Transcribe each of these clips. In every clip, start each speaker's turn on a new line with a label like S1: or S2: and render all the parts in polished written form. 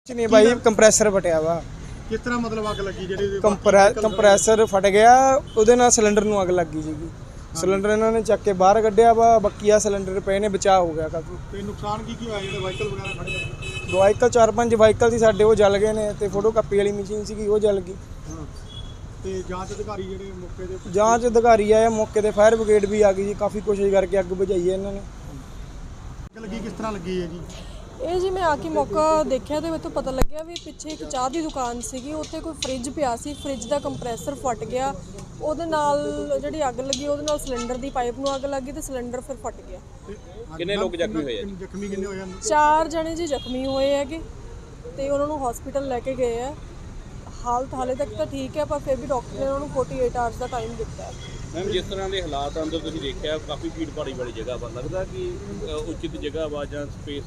S1: ਕੁਛ ਨਹੀਂ ਬਾਈ ਕੰਪਰੈਸਰ ਫਟਿਆ ਵਾ।
S2: ਕਿਸ ਤਰ੍ਹਾਂ ਮਤਲਬ ਅੱਗ ਲੱਗੀ ਜਿਹੜੀ
S1: ਕੰਪਰੈਸਰ ਫਟ ਗਿਆ, ਉਹਦੇ ਨਾਲ ਸਿਲੰਡਰ ਨੂੰ ਅੱਗ ਲੱਗੀ ਸੀਗੀ। ਸਿਲੰਡਰ ਇਹਨਾਂ ਨੇ ਚੱਕ ਕੇ ਬਾਹਰ ਕੱਢਿਆ ਵਾ, ਬਾਕੀ ਆ ਸਿਲੰਡਰ ਪਏ ਨੇ, ਬਚਾਅ ਹੋ ਗਿਆ ਕਾਫੀ।
S2: ਤੇ ਨੁਕਸਾਨ ਕੀ ਹੋਇਆ ਜਿਹੜੇ ਵਾਹੀਕਲ ਵਗੈਰਾ ਖੜੇ ਆ?
S1: ਵਾਹੀਕਲ 4-5 ਵਾਹੀਕਲ ਸੀ ਸਾਡੇ, ਉਹ ਜਲ ਗਏ ਨੇ, ਤੇ ਫੋਟੋ ਕਾਪੀ ਵਾਲੀ ਮਸ਼ੀਨ ਸੀਗੀ ਉਹ ਜਲ ਗਈ।
S2: ਹਾਂ ਤੇ ਜਾਂਚ ਅਧਿਕਾਰੀ ਜਿਹੜੇ ਮੌਕੇ ਦੇ
S1: ਜਾਂਚ ਅਧਿਕਾਰੀ ਆਏ ਮੌਕੇ ਤੇ, ਫਾਇਰ ਬ੍ਰਿਗੇਡ ਵੀ ਆ ਗਈ ਜੀ, ਕਾਫੀ ਕੋਸ਼ਿਸ਼ ਕਰਕੇ ਅੱਗ ਬੁਝਾਈ ਹੈ ਇਹਨਾਂ ਨੇ।
S2: ਅੱਗ ਲੱਗੀ ਕਿਸ ਤਰ੍ਹਾਂ ਲੱਗੀ ਹੈ ਜੀ?
S3: ਇਹ ਜੀ ਮੈਂ ਆ ਕੇ ਮੌਕਾ ਦੇਖਿਆ ਤੇ ਮੈਨੂੰ ਪਤਾ ਲੱਗਿਆ ਵੀ ਪਿੱਛੇ ਇੱਕ ਚਾਹ ਦੀ ਦੁਕਾਨ ਸੀਗੀ, ਉੱਥੇ ਕੋਈ ਫ੍ਰਿਜ ਪਿਆ ਸੀ, ਫ੍ਰਿਜ ਦਾ ਕੰਪਰੈਸਰ ਫਟ ਗਿਆ, ਉਹਦੇ ਨਾਲ ਜਿਹੜੀ ਅੱਗ ਲੱਗੀ ਉਹਦੇ ਨਾਲ ਸਿਲੰਡਰ ਦੀ ਪਾਈਪ ਨੂੰ ਅੱਗ ਲੱਗੀ ਤੇ ਸਿਲੰਡਰ ਫਿਰ ਫਟ ਗਿਆ।
S2: ਕਿੰਨੇ ਲੋਕ ਜ਼ਖਮੀ ਹੋਏ ਆ? ਜ਼ਖਮੀ ਕਿੰਨੇ ਹੋਏ ਹਨ?
S3: 4 ਜਣੇ ਜੀ ਜ਼ਖਮੀ ਹੋਏ ਹੈਗੇ ਤੇ ਉਹਨਾਂ ਨੂੰ ਹਸਪੀਟਲ ਲੈ ਕੇ ਗਏ ਆ। ਹਾਲਤ ਹਾਲੇ ਤੱਕ ਤਾਂ ਠੀਕ ਹੈ, ਪਰ ਫਿਰ ਵੀ ਡਾਕਟਰ ਨੇ ਉਹਨਾਂ ਨੂੰ 48 ਆਵਰਸ ਦਾ ਟਾਈਮ ਦਿੱਤਾ ਹੈ।
S4: ਮੈਮ ਜਿਸ ਤਰ੍ਹਾਂ ਦੇ ਹਾਲਾਤ ਅੰਦਰ ਤੁਸੀਂ ਦੇਖਿਆ, ਕਾਫੀ ਭੀੜ ਭਾੜੀ ਵਾਲੀ ਜਗ੍ਹਾ ਵਾ, ਲੱਗਦਾ ਕਿ ਉਚਿਤ ਜਗ੍ਹਾ ਵਾ ਜਾਂ ਸਪੇਸ?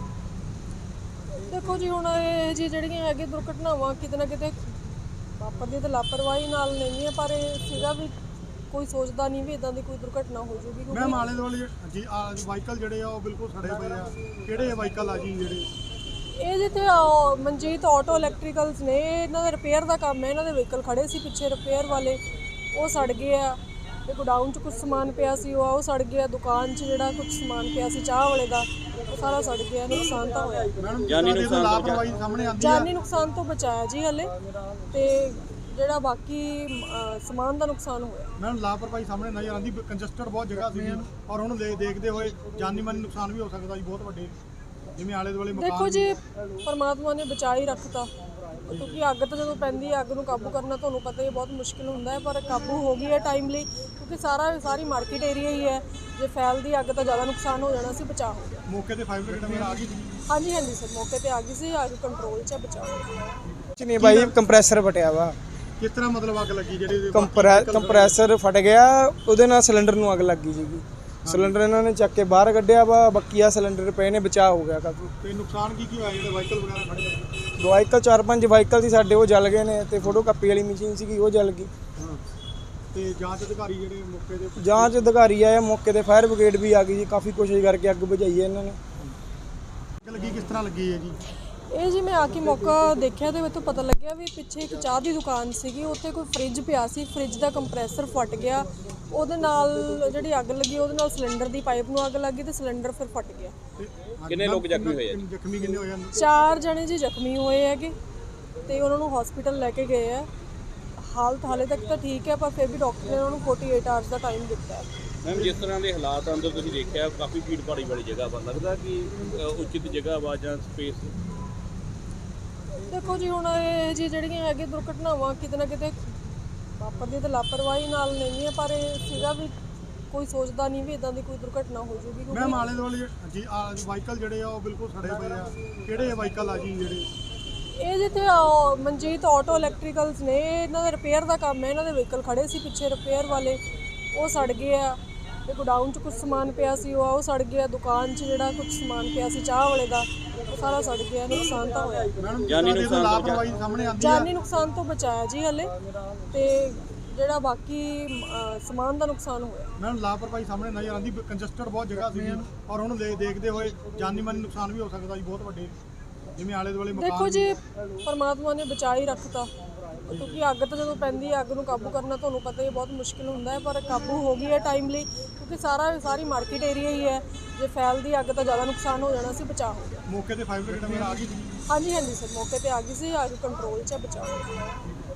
S3: ਦੇਖੋ ਜੀ ਹੁਣ ਇਹ ਜੀ ਜਿਹੜੀਆਂ ਹੈਗੇ ਦੁਰਘਟਨਾਵਾਂ ਕਿਤੇ ਨਾ ਕਿਤੇ ਵਾਪਰਦੀਆਂ ਤਾਂ ਲਾਪਰਵਾਹੀ ਨਾਲ ਨਹੀਂ ਹੈ, ਪਰ ਇਹ ਸੀਗਾ ਵੀ ਕੋਈ ਸੋਚਦਾ ਨਹੀਂ ਵੀ ਇਦਾਂ ਦੀ ਕੋਈ ਦੁਰਘਟਨਾ ਹੋ ਜੂਗੀ।
S2: ਮੈਮ ਆਲੇ ਦੁਆਲੇ ਜੀ ਵਾਹੀਕਲ ਜਿਹੜੇ ਆ ਉਹ ਬਿਲਕੁਲ ਸੜੇ ਪਏ ਆ, ਕਿਹੜੇ ਵਾਹੀਕਲ ਆ ਜੀ ਜਿਹੜੇ?
S3: ਇਹ ਜਿੱਥੇ ਮਨਜੀਤ ਆਟੋ ਇਲੈਕਟ੍ਰੀਕਲਸ ਨੇ, ਇਹਨਾਂ ਦਾ ਰਿਪੇਅਰ ਦਾ ਕੰਮ ਹੈ, ਇਹਨਾਂ ਦੇ ਵਹੀਕਲ ਖੜੇ ਸੀ ਪਿੱਛੇ ਰਿਪੇਅਰ ਵਾਲੇ, ਉਹ ਸੜ ਗਏ ਆ। ਤੇ ਗੋਡਾਊਨ 'ਚ ਕੁਝ ਸਮਾਨ ਪਿਆ ਸੀ ਉਹ ਸੜ ਗਿਆ। ਦੁਕਾਨ 'ਚ ਜਿਹੜਾ ਕੁਝ ਸਮਾਨ ਪਿਆ ਸੀ ਚਾਹ ਵਾਲੇ ਦਾ, ਉਹ ਸਾਰਾ ਸੜ ਗਿਆ। ਨੁਕਸਾਨ ਤਾਂ ਹੋਇਆ।
S2: ਮੈਡਮ ਜਾਨੀ ਨੁਕਸਾਨ ਲਾਪਰਵਾਹੀ ਸਾਹਮਣੇ ਆਉਂਦੀ ਹੈ?
S3: ਜਾਨੀ ਨੁਕਸਾਨ ਤੋਂ ਬਚਾਇਆ ਜੀ ਹਲੇ, ਤੇ ਜਿਹੜਾ ਬਾਕੀ ਸਮਾਨ ਦਾ ਨੁਕਸਾਨ ਹੋਇਆ।
S2: ਮੈਡਮ ਲਾਪਰਵਾਹੀ ਸਾਹਮਣੇ ਨਜ਼ਰ ਆਉਂਦੀ, ਕੰਜਸਟਡ ਬਹੁਤ ਜਗ੍ਹਾ ਸੀਗੀ ਔਰ ਉਹਨੂੰ ਦੇਖਦੇ ਹੋਏ ਜਾਨੀ ਮਾਨੀ ਨੁਕਸਾਨ ਵੀ ਹੋ ਸਕਦਾ ਜੀ ਬਹੁਤ ਵੱਡੇ, ਜਿਵੇਂ ਆਲੇ ਦੁਆਲੇ ਮਕਾਨ।
S3: ਦੇਖੋ ਜੀ ਪਰਮਾਤਮਾ ਨੇ ਬਚਾ ਹੀ ਰੱਖਤਾ, ਕਿਉਂਕਿ ਅੱਗ ਤਾਂ ਜਦੋਂ ਪੈਂਦੀ ਹੈ, ਅੱਗ ਨੂੰ ਕਾਬੂ ਕਰਨਾ ਤੁਹਾਨੂੰ ਪਤਾ ਹੀ ਬਹੁਤ ਮੁਸ਼ਕਿਲ ਹੁੰਦਾ ਹੈ, ਪਰ ਕਾਬੂ ਹੋ ਗਈ ਹੈ ਟਾਈਮਲੀ, ਕਿਉਂਕਿ ਸਾਰੀ ਮਾਰਕੀਟ ਏਰੀਆ ਹੀ ਹੈ। ਜੇ ਫੈਲਦੀ ਅੱਗ ਤਾਂ ਜ਼ਿਆਦਾ ਨੁਕਸਾਨ ਹੋ ਜਾਣਾ ਸੀ, ਬਚਾਅ ਹੋ ਗਿਆ।
S2: ਮੌਕੇ ਤੇ ਫਾਇਰ ਬ੍ਰਿਗੇਡ ਵਗੈਰਾ ਆ ਗਈ ਸੀ?
S3: ਹਾਂਜੀ ਸਰ, ਮੌਕੇ ਤੇ ਆ ਗਈ ਸੀ, ਅੱਗ ਕੰਟਰੋਲ 'ਚ ਬਚਾਅ ਹੋ ਗਿਆ।
S1: ਕੁਛ ਨਹੀਂ ਬਾਈ ਕੰਪਰੈਸਰ ਫਟਿਆ ਵਾ।
S2: ਕਿਸ ਤਰ੍ਹਾਂ ਮਤਲਬ ਅੱਗ ਲੱਗੀ ਜਿਹੜੀ
S1: ਕੰਪਰੈਸਰ ਫਟ ਗਿਆ, ਉਹਦੇ ਨਾਲ ਸਿਲੰਡਰ ਨੂੰ ਅੱਗ ਲੱਗੀ ਸੀਗੀ। ਸਿਲੰਡਰ ਇਹਨਾਂ ਨੇ ਚੱਕ ਕੇ ਬਾਹਰ ਕੱਢਿਆ ਵਾ, ਬਾਕੀ ਆ ਸਿਲੰਡਰ ਪਏ ਨੇ, ਬਚਾਅ ਹੋ ਗਿਆ ਕਾਫੀ।
S2: ਤੇ ਨੁਕਸਾਨ ਕੀ ਹੋਇਆ ਜਿਹੜੇ ਵਾਹੀਕਲ ਵਗੈਰਾ ਖੜੇ ਆ?
S1: ਵਾਹੀਕਲ 4-5 ਵਾਹੀਕਲ ਸੀ ਸਾਡੇ, ਉਹ ਜਲ ਗਏ ਨੇ, ਤੇ ਫੋਟੋ ਕਾਪੀ ਵਾਲੀ ਮਸ਼ੀਨ ਸੀਗੀ ਉਹ ਜਲ ਗਈ।
S2: ਹਾਂ ਤੇ ਜਾਂਚ ਅਧਿਕਾਰੀ ਜਿਹੜੇ ਮੌਕੇ ਦੇ
S1: ਜਾਂਚ ਅਧਿਕਾਰੀ ਆਏ ਮੌਕੇ ਤੇ, ਫਾਇਰ ਬ੍ਰਿਗੇਡ ਵੀ ਆ ਗਈ ਜੀ, ਕਾਫੀ ਕੋਸ਼ਿਸ਼ ਕਰਕੇ ਅੱਗ ਬੁਝਾਈ ਹੈ ਇਹਨਾਂ ਨੇ।
S2: ਅੱਗ ਲੱਗੀ ਕਿਸ ਤਰ੍ਹਾਂ ਲੱਗੀ ਹੈ ਜੀ?
S3: ਇਹ ਜੀ ਮੈਂ ਆ ਕੇ ਮੌਕਾ ਦੇਖਿਆ ਤੇ ਮੈਨੂੰ ਪਤਾ ਲੱਗਿਆ ਵੀ ਪਿੱਛੇ ਇੱਕ ਚਾਹ ਦੀ ਦੁਕਾਨ ਸੀਗੀ, ਉੱਥੇ ਕੋਈ ਫ੍ਰਿਜ ਪਿਆ ਸੀ, ਫ੍ਰਿਜ ਦਾ ਕੰਪਰੈਸਰ ਫਟ ਗਿਆ, ਉਹਦੇ ਨਾਲ ਜਿਹੜੀ ਅੱਗ ਲੱਗੀ ਉਹਦੇ ਨਾਲ ਸਿਲੰਡਰ ਦੀ ਪਾਈਪ ਨੂੰ ਅੱਗ ਲੱਗੀ ਤੇ ਸਿਲੰਡਰ ਫਿਰ ਫਟ ਗਿਆ।
S4: ਕਿੰਨੇ ਲੋਕ ਜ਼ਖਮੀ ਹੋਏ ਆ?
S2: ਜ਼ਖਮੀ ਕਿੰਨੇ ਹੋਏ ਹਨ?
S3: 4 ਜਣੇ ਜੀ ਜ਼ਖਮੀ ਹੋਏ ਹੈਗੇ ਤੇ ਉਹਨਾਂ ਨੂੰ ਹਸਪੀਟਲ ਲੈ ਕੇ ਗਏ ਆ। ਹਾਲਤ ਹਾਲੇ ਤੱਕ ਤਾਂ ਠੀਕ ਹੈ, ਪਰ ਫਿਰ ਵੀ ਡਾਕਟਰ ਨੇ ਉਹਨਾਂ ਨੂੰ 48 ਆਵਰਸ ਦਾ ਟਾਈਮ ਦਿੱਤਾ ਹੈ।
S4: ਮੈਮ ਜਿਸ ਤਰ੍ਹਾਂ ਦੇ ਹਾਲਾਤ ਅੰਦਰ ਤੁਸੀਂ ਦੇਖਿਆ, ਕਾਫੀ ਭੀੜ ਭਾੜੀ ਵਾਲੀ ਜਗ੍ਹਾ ਵਾ, ਲੱਗਦਾ ਕਿ ਉਚਿਤ ਜਗ੍ਹਾ ਵਾ ਜਾਂ ਸਪੇਸ?
S3: ਦੇਖੋ ਜੀ ਹੁਣ ਇਹ ਜੀ ਜਿਹੜੀਆਂ ਹੈਗੇ ਦੁਰਘਟਨਾਵਾਂ ਕਿਤੇ ਨਾ ਕਿਤੇ ਵਾਪਰਦੀਆਂ ਤਾਂ ਲਾਪਰਵਾਹੀ ਨਾਲ ਨਹੀਂ ਹੈ, ਪਰ ਇਹ ਸੀਗਾ ਵੀ ਕੋਈ ਸੋਚਦਾ ਨਹੀਂ ਵੀ ਇਦਾਂ ਦੀ ਕੋਈ ਦੁਰਘਟਨਾ ਹੋ ਜੂਗੀ।
S2: ਮੈਮ ਆਲੇ ਦੁਆਲੇ ਜੀ ਵਾਹੀਕਲ ਜਿਹੜੇ ਆ ਉਹ ਬਿਲਕੁਲ ਸੜੇ ਪਏ ਆ, ਕਿਹੜੇ ਵਾਹੀਕਲ ਆ ਜੀ ਜਿਹੜੇ?
S3: ਇਹ ਜਿੱਥੇ ਮਨਜੀਤ ਆਟੋ ਇਲੈਕਟ੍ਰੀਕਲਸ ਨੇ, ਇਹਨਾਂ ਦਾ ਰਿਪੇਅਰ ਦਾ ਕੰਮ ਹੈ, ਇਹਨਾਂ ਦੇ ਵਹੀਕਲ ਖੜੇ ਸੀ ਪਿੱਛੇ ਰਿਪੇਅਰ ਵਾਲੇ, ਉਹ ਸੜ ਗਏ ਆ। ਤੇ ਗੋਡਾਊਨ 'ਚ ਕੁਝ ਸਮਾਨ ਪਿਆ ਸੀ ਉਹ ਸੜ ਗਿਆ। ਦੁਕਾਨ 'ਚ ਜਿਹੜਾ ਕੁਝ ਸਮਾਨ ਪਿਆ ਸੀ ਚਾਹ ਵਾਲੇ ਦਾ, ਉਹ ਸਾਰਾ ਸੜ ਗਿਆ। ਨੁਕਸਾਨ ਤਾਂ ਹੋਇਆ।
S2: ਮੈਡਮ ਜਾਨੀ ਨੁਕਸਾਨ ਲਾਪਰਵਾਹੀ ਸਾਹਮਣੇ ਆਉਂਦੀ ਹੈ?
S3: ਜਾਨੀ ਨੁਕਸਾਨ ਤੋਂ ਬਚਾਇਆ ਜੀ ਹਲੇ, ਤੇ ਜਿਹੜਾ ਬਾਕੀ ਸਮਾਨ ਦਾ ਨੁਕਸਾਨ ਹੋਇਆ।
S2: ਮੈਡਮ ਲਾਪਰਵਾਹੀ ਸਾਹਮਣੇ ਨਜ਼ਰ ਆਉਂਦੀ, ਕੰਜਸਟਡ ਬਹੁਤ ਜਗ੍ਹਾ ਸੀਗੀ ਔਰ ਉਹਨੂੰ ਦੇਖਦੇ ਹੋਏ ਜਾਨੀ ਮਾਨੀ ਨੁਕਸਾਨ ਵੀ ਹੋ ਸਕਦਾ ਜੀ ਬਹੁਤ ਵੱਡੇ, ਜਿਵੇਂ ਆਲੇ ਦੁਆਲੇ ਮਕਾਨ।
S3: ਦੇਖੋ ਜੀ ਪਰਮਾਤਮਾ ਨੇ ਬਚਾ ਹੀ ਰੱਖਤਾ, ਕਿਉਂਕਿ ਅੱਗ ਤਾਂ ਜਦੋਂ ਪੈਂਦੀ ਹੈ, ਅੱਗ ਨੂੰ ਕਾਬੂ ਕਰਨਾ ਤੁਹਾਨੂੰ ਪਤਾ ਹੀ ਬਹੁਤ ਮੁਸ਼ਕਿਲ ਹੁੰਦਾ ਹੈ, ਪਰ ਕਾਬੂ ਹੋ ਗਈ ਹੈ ਟਾਈਮਲੀ, ਕਿਉਂਕਿ ਸਾਰੀ ਮਾਰਕੀਟ ਏਰੀਆ ਹੀ ਹੈ। ਜੇ ਫੈਲਦੀ ਅੱਗ ਤਾਂ ਜ਼ਿਆਦਾ ਨੁਕਸਾਨ ਹੋ ਜਾਣਾ ਸੀ, ਬਚਾਅ ਹੋ ਗਿਆ।
S2: ਮੌਕੇ ਤੇ ਫਾਇਰ ਬ੍ਰਿਗੇਡ ਵਗੈਰਾ ਆ ਗਈ ਸੀ?
S3: ਹਾਂਜੀ ਸਰ, ਮੌਕੇ ਤੇ ਆ ਗਈ ਸੀ, ਅੱਗ ਕੰਟਰੋਲ 'ਚ ਬਚਾਅ ਹੋ ਗਿਆ।